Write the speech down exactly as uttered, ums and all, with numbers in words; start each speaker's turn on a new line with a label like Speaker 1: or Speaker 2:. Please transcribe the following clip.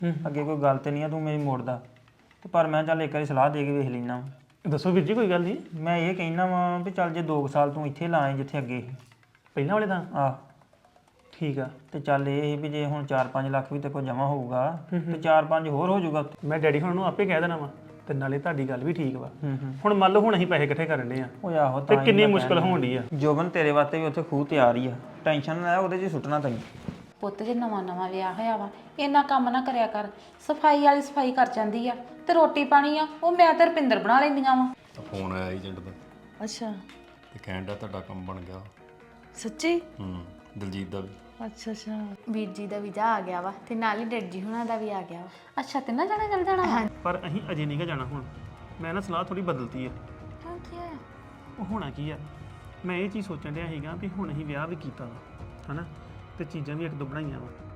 Speaker 1: ਅੱਗੇ ਕੋਈ ਗੱਲ ਤੇ ਨਹੀਂ ਆ ਤੂੰ ਮੇਰੀ ਮੋੜਦਾ ਤੇ ਪਰ ਮੈਂ ਚੱਲ ਇੱਕ ਵਾਰੀ ਸਲਾਹ ਦੇ ਕੇ ਵੇਖ ਲੈਣਾ।
Speaker 2: ਦੱਸੋ ਵੀਰ ਜੀ ਕੋਈ ਗੱਲ ਨਹੀਂ।
Speaker 1: ਮੈਂ ਇਹ ਕਹਿਣਾ ਵਾ ਵੀ ਚੱਲ ਜੇ ਦੋ ਸਾਲ ਤੂੰ ਇੱਥੇ ਲਾਏ ਜਿੱਥੇ ਅੱਗੇ ਸੀ
Speaker 2: ਪਹਿਲਾਂ ਵਾਲੇ ਤਾਂ
Speaker 1: ਆਹ
Speaker 2: ਠੀਕ ਆ।
Speaker 1: ਤੇ ਚੱਲ ਇਹ ਸੀ ਵੀ ਜੇ ਹੁਣ ਚਾਰ ਪੰਜ ਲੱਖ ਵੀ ਤੇ ਕੋਲ ਜਮਾ ਹੋਊਗਾ ਤੇ ਚਾਰ ਪੰਜ ਹੋਰ ਹੋ ਜਾਊਗਾ।
Speaker 2: ਮੈਂ ਡੈਡੀ ਹੁਣ ਨੂੰ ਆਪੇ ਕਹਿ ਦੇਣਾ ਵਾ ਤੇ ਨਾਲੇ ਤੁਹਾਡੀ ਗੱਲ ਵੀ ਠੀਕ ਵਾ।
Speaker 1: ਹੂੰ ਹੂੰ
Speaker 2: ਹੁਣ ਮੰਨ ਲਓ ਹੁਣ ਅਸੀਂ ਪੈਸੇ ਇਕੱਠੇ ਕਰਨ ਦੇ ਆ
Speaker 1: ਉਹ ਆਹੋ
Speaker 2: ਤੇ
Speaker 1: ਤਾਂ ਹੀ
Speaker 2: ਕਿੰਨੀ
Speaker 1: ਮੈਂ
Speaker 2: ਮੁਸ਼ਕਲ
Speaker 1: ਕਹਿਣ
Speaker 2: ਹੋਣ ਡਈ ਆ।
Speaker 1: ਜੋਬਨ ਤੇਰੇ ਵਾਸਤੇ ਵੀ ਉੱਥੇ ਖੂਹ ਤਿਆਰ ਹੀ ਆ ਟੈਨਸ਼ਨ ਨਾ ਲੈ ਉਹਦੇ 'ਚ ਸੁੱਟਣਾ ਤੈਨੂੰ।
Speaker 3: ਪੁੱਤ ਜੇ ਨਵਾਂ ਨਵਾਂ ਵਿਆਹ ਹੋਇਆ ਵਾ ਇੰਨਾ ਕੰਮ ਨਾ ਕਰਿਆ ਕਰ। ਸਫਾਈ ਵਾਲੀ ਸਫਾਈ ਕਰ ਜਾਂਦੀ ਆ ਤੇ ਰੋਟੀ ਪਾਣੀ ਆ ਉਹ ਮੈਂ ਤੇ ਰੁਪਿੰਦਰ ਬਣਾ ਲੈਂਦੀਆਂ ਵਾ।
Speaker 4: ਫੋਨ ਆਇਆ ਏਜੰਟ ਦਾ
Speaker 5: ਅੱਛਾ
Speaker 4: ਤੇ ਕਹਿਣ ਡਿਆ ਤੁਹਾਡਾ ਕੰਮ ਬਣ ਗਿਆ।
Speaker 5: ਸੱਚੀ?
Speaker 4: ਹੂੰ ਦਲਜੀਤ ਦਾ ਵੀ।
Speaker 5: ਅੱਛਾ ਅੱਛਾ
Speaker 6: ਵੀਰ ਜੀ ਦਾ ਵੀਜ਼ਾ ਆ ਗਿਆ ਵਾ ਤੇ ਨਾਲ ਹੀ ਡੈਡ ਜੀ ਹੁਣਾਂ ਦਾ ਵੀ ਆ ਗਿਆ ਵਾ।
Speaker 3: ਅੱਛਾ ਤਿੰਨਾਂ ਜਣੇ ਚੱਲ ਜਾਣਾ ਵਾ?
Speaker 2: ਪਰ ਅਸੀਂ ਅਜੇ ਨਹੀਂ ਗਾ ਜਾਣਾ ਹੁਣ। ਮੈਂ ਨਾ ਸਲਾਹ ਥੋੜੀ ਬਦਲਤੀ ਆ।
Speaker 3: ਕਿਉਂ ਕੀ ਹੋਇਆ?
Speaker 2: ਉਹ ਹੋਣਾ ਕੀ ਆ ਮੈਂ ਇਹ ਚੀਜ਼ ਸੋਚਣ ਡਿਆ ਸੀਗਾ ਵੀ ਹੁਣ ਅਸੀਂ ਵਿਆਹ ਵੀ ਕੀਤਾ ਵਾ ਹਨਾ ਤੇ ਚੀਜ਼ਾਂ ਵੀ ਇੱਕ ਦੋ ਬਣਾਈਆਂ ਵਾ